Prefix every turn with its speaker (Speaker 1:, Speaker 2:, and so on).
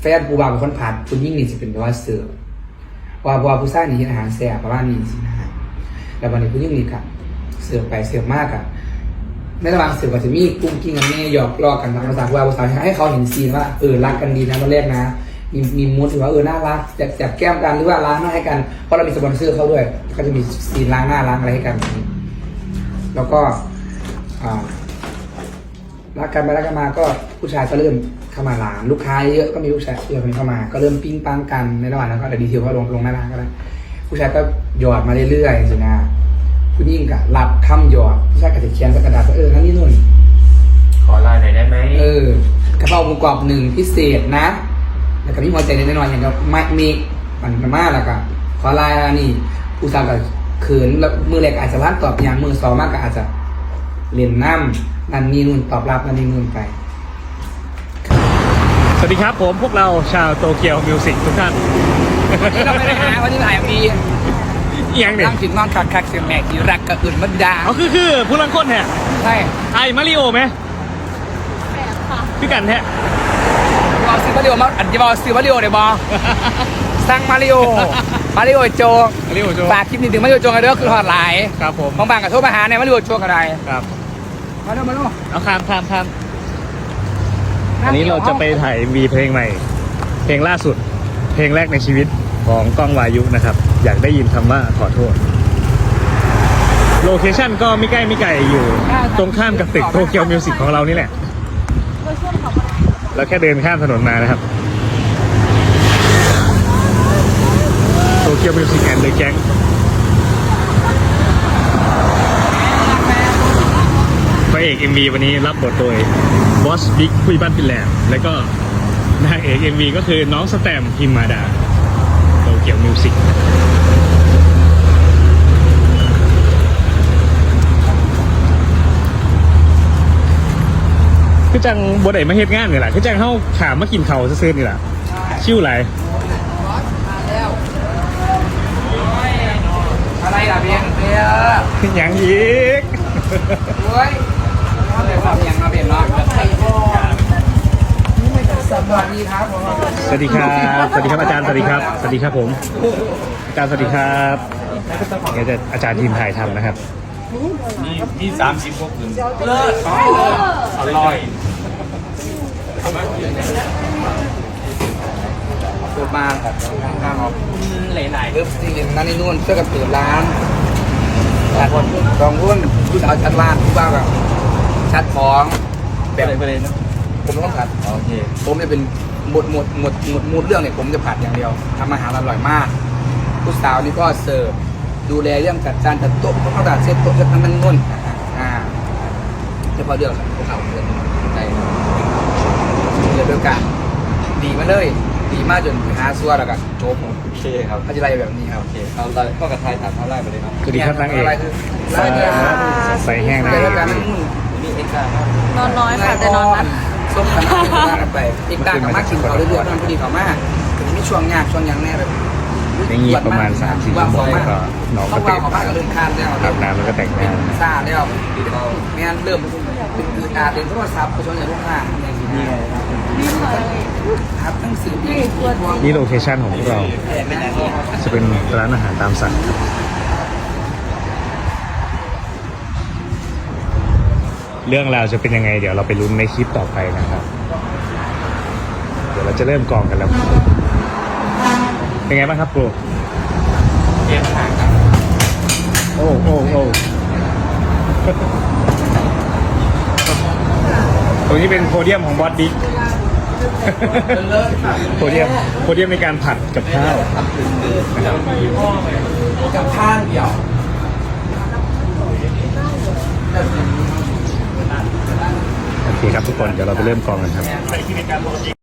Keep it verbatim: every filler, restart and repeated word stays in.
Speaker 1: ฟนผู้บ่าวเป็นคนผัดคุณยิ่งนี่จะเป็นว่าเสิร์ฟว่าว่าผู้ชายนี่กินอาหารแซ่บประมาณนี้สินะฮะแล้ววันนี้คุณยิ่งนี่ครับเสิร์ฟไปเสิร์ฟมากอะในระหว่างเสิร์ฟก็จะมีกุ้งกิ้งกันแม่หยอกล้อกันตามภาษาว่าภาษาให้เขาเห็นซีนว่าเออรักกันดีนะตอนแรกนะมีมีมูดถือว่าเออน่ารักจับจับแก้มกันหรือว่าล้างหน้าให้กันเพราะเรามีสปอนเซอร์เขาด้วยก็จะมีซีนล้างหน้าล้างอะไรให้กันแล้วก็อ่ารักกันไปรักกันมาก็ผู้ชายก็เริ่มเข้ามาร้านลูกค้าเยอะก็มีผู้ชายเยอะคนเข้ามาก็เริ่มปิ้งปังกันในระหว่างนั้นก็แต่ดีเทลก็ลงลงหน้าร้านก็ได้ผู้ชายก็หยอดมาเรื่อยๆสินะผู้หญิงก็รับคำหยอดผู้ชายก็จะเขียนกระดาษเออนั่นนี่นู่น
Speaker 2: ขอไลน์หน่อยได้ไหม
Speaker 1: เออกระเพราหมูกรอบหนึ่งพิเศษนะแล้วก็มีหัวใจนิดหน่อยอย่างกับไม่มีมันมากแล้วก็ขอไลน์นี่ผู้ชายก็เขินแล้วมือแรกอาจจะร้านตอบอย่างมือสองมากก็อาจจะเรียนน้ำนั่นนี่นู่นตอบรับนั่นนี่นู่นไป
Speaker 3: สวัสดีครับผมพวกเราชาวโตเกียวมิวสิกทุกท่าน
Speaker 1: วันนี้เราไม่ได้หาวันนี้ถ่ายมี
Speaker 3: ยังเนี่ย
Speaker 1: นั่งถึงนอนคักคักเสียงแม่ที่รักกับอื่นมันดา
Speaker 3: อ๋อคือคือผู้ลังคนแท้
Speaker 1: ใช่
Speaker 3: ไอ้มาริโอไหม
Speaker 4: แปดค่ะ
Speaker 3: พี่กันแท้
Speaker 1: บอลซื้อมาริโอมาอันจะบอลซื้อมาริโอเดี๋ยวบอลสั่งมาริโอมาริโอโจ
Speaker 3: มาริโอโจ
Speaker 1: ฝากคลิปนี้ถึงมาริโอโจกันด้วยคือหอดหลาย
Speaker 3: ครับผม
Speaker 1: บางบางกับโทรมาหาในมาริโอโจกันได้
Speaker 3: ครับ
Speaker 1: มาดูมาดู
Speaker 3: เอาคามคามคามอันนี้เราจะไปถ่ายมีเพลงใหม่เพลงล่าสุดเพลงแรกในชีวิตของก้องวายุนะครับอยากได้ยินคำว่าขอโทษโลเคชั่นก็ไม่ใกล้ไม่ไกลอยู่ตรงข้ามกับตึกโตเกียวมิวสิกของเรานี่แหละเราแค่เดินข้ามถนนมานะครับโตเกียวมิวสิกแอนด์เดอะแก๊งพระเอก เอ็ม วี วันนี้รับบทโดยบอสบิ๊กคุยบ้านฟินแลนด์และก็นางเอก เอ็ม วี ก็คือน้องสแตมพิมมาดาโตเกียวมิวสิกคือจังบดไอ้มาเฮ็ดงานนี่แหละคือจังเข้าขามมากินเขาซื้อๆนี่แหละชิวไหล
Speaker 1: อะไรล่ะเบียงเบีย
Speaker 3: ร์ยังอีก
Speaker 1: เฮ้ยเอาเดี๋ยวเอาเบียงมาเบียงเนาะสวัสดีครับ
Speaker 3: สวัสดีครับสวัสดีครับอาจารย์สวัสดีครับสวัสดีครับผมอาจารย์สวัสดีครับเดี๋ยวจะอาจารย์ทีมถ่ายทำนะครับ
Speaker 2: มีมีสามสิบหกถึงเลิศอร่อย
Speaker 1: เปิดมาครับข้างออกหลายๆเริ่มที่นั่นนี่นู่นเพื่อกับเปิดร้านแต่คนกองรุ่นผู้สาวชัดร้านผู้บ่าวกับชัดของแบบไปเลยนะผมต้องผัด
Speaker 2: โอเค
Speaker 1: ผมจะเป็นหมดหมดหมดหมดมูดเรื่องเนี่ยผมจะผัดอย่างเดียวทำอาหารอร่อยมากผู้สาวนี่ก็เสิร์ฟดูแลเรื่องจัดจานจัดโต๊ะต้องจัดเซตโต๊ะจัดนั่นนู่นอ่าเฉพาะเรื่องพวกเขาเรื่องในเรื่องเดียวกันดีมาเลยดีมากจนหาซัวแล้วกันโจ๊ก
Speaker 2: โอเคครับ
Speaker 1: พัชไรแบบนี้ครับโอเค
Speaker 2: เอาเลยก็กระทายถามเท่าไรไปเลยครับ
Speaker 3: สวัสดีครับนางเอกใส่แห้งนะ
Speaker 2: นี่เอ็กซ์ครับ
Speaker 4: นอนน้อยค่ะแต่นอนมัน
Speaker 1: ส้มกันไปอีกต่างกับมากกินเขาเรื่อยๆมันพอดีเขามากถึงมีช่วงยากช่วงยังแน่แบบ
Speaker 3: อย่างนี้ประมาณสามสี่ชั่วโมงก็น้องก็ตื่นอาบน้ำแล้วก็แต่งหน้า
Speaker 1: ซาแล้วไม่งั้นเริ่มเป็นอืดอาดเป็นโทรศัพท์ไปชนในลูกค้าครับหนังสือที่
Speaker 3: นี่โลเคชั่นของพวกเราจะเป็นร้านอาหารตามสั่งเรื่องราวจะเป็นยังไงเดี๋ยวเราไปลุ้นในคลิปต่อไปนะครับเดี๋ยวเราจะเริ่มกองกันแล้วเป็นไงบ้างครับครู
Speaker 2: เยี่ยมมากครับ
Speaker 3: โอ้โอ้โอ้ตรงนี้เป็นโพเดียมของบอสบิ๊กโพเดียมโพเดียมในการผัดกับข้าว
Speaker 1: กับข้าวเดียว
Speaker 3: โอเคครับทุกคนเดี๋ยวเราไปเริ่มกองกันครับ